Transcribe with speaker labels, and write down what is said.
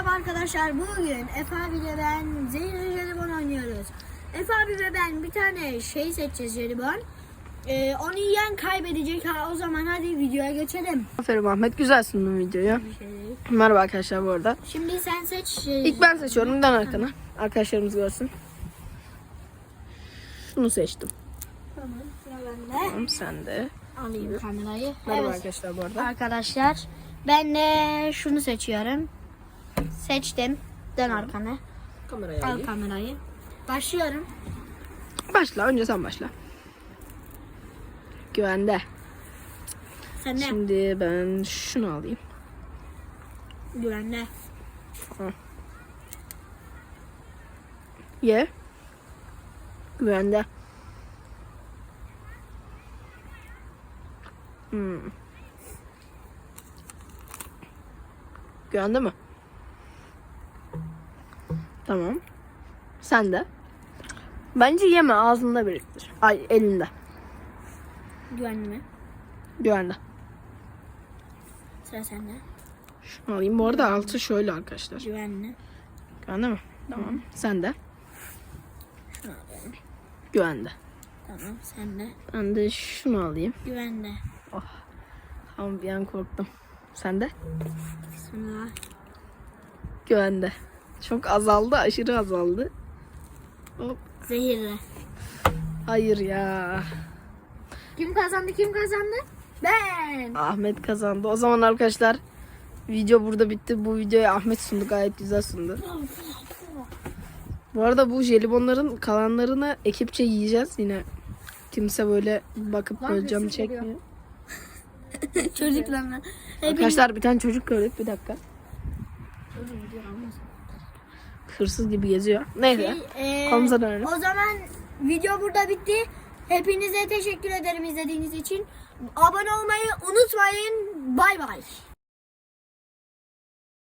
Speaker 1: Merhaba arkadaşlar, bugün Efe abiyle ben zehirli jelibon oynuyoruz. Efe abi ve ben bir tane şey seçeceğiz, jelibon. Onu yiyen kaybedecek. O zaman hadi videoya geçelim.
Speaker 2: Aferin Ahmet, güzel sundun videoyu.
Speaker 1: Bir şey değil.
Speaker 2: Merhaba arkadaşlar bu arada.
Speaker 1: Şimdi sen seç.
Speaker 2: İlk ben seçiyorum, dön arkana. Arkadaşlarımız görsün. Şunu seçtim.
Speaker 1: Tamam, sıra bende.
Speaker 2: Tamam, sen de.
Speaker 1: Alayım kamerayı.
Speaker 2: Merhaba
Speaker 1: Evet.
Speaker 2: arkadaşlar bu arada.
Speaker 1: Arkadaşlar, ben de şunu seçiyorum. Seçtim. Dön arkana.
Speaker 2: Kamerayı
Speaker 1: Al
Speaker 2: alayım.
Speaker 1: kamerayı. Başlıyorum.
Speaker 2: Başla, önce sen başla. Güvende.
Speaker 1: Sen de.
Speaker 2: Şimdi ben şunu alayım.
Speaker 1: Güvenle.
Speaker 2: Ye. Güvende. Güvende mi? Tamam. Sen de. Bence yeme, ağzında biriktir. Ay, elinde.
Speaker 1: Güvenli mi?
Speaker 2: Güvende.
Speaker 1: Sıra sende.
Speaker 2: Şunu alayım. Bu arada altı şöyle arkadaşlar.
Speaker 1: Güvenli.
Speaker 2: Güvende mi? Tamam. Sen de.
Speaker 1: Şunu alayım.
Speaker 2: Güvende.
Speaker 1: Tamam, sen de.
Speaker 2: Ben de şunu alayım.
Speaker 1: Güvenli.
Speaker 2: Ama bir an korktum. Sen de.
Speaker 1: Bismillah.
Speaker 2: Güvende. Çok azaldı. Aşırı azaldı. Hop.
Speaker 1: Zehirli.
Speaker 2: Hayır ya.
Speaker 1: Kim kazandı? Kim kazandı? Ben.
Speaker 2: Ahmet kazandı. O zaman arkadaşlar video burada bitti. Bu videoyu Ahmet sundu. Gayet güzel sundu. Bu arada bu jelibonların kalanlarını ekipçe yiyeceğiz. Yine kimse böyle bakıp böyle cam çekmiyor.
Speaker 1: Çocuklarla.
Speaker 2: Arkadaşlar bir tane çocuk gördük. Bir dakika. Hırsız gibi geziyor. Neyse. Konumuza dönelim.
Speaker 1: O zaman video burada bitti. Hepinize teşekkür ederim izlediğiniz için. Abone olmayı unutmayın. Bay bay.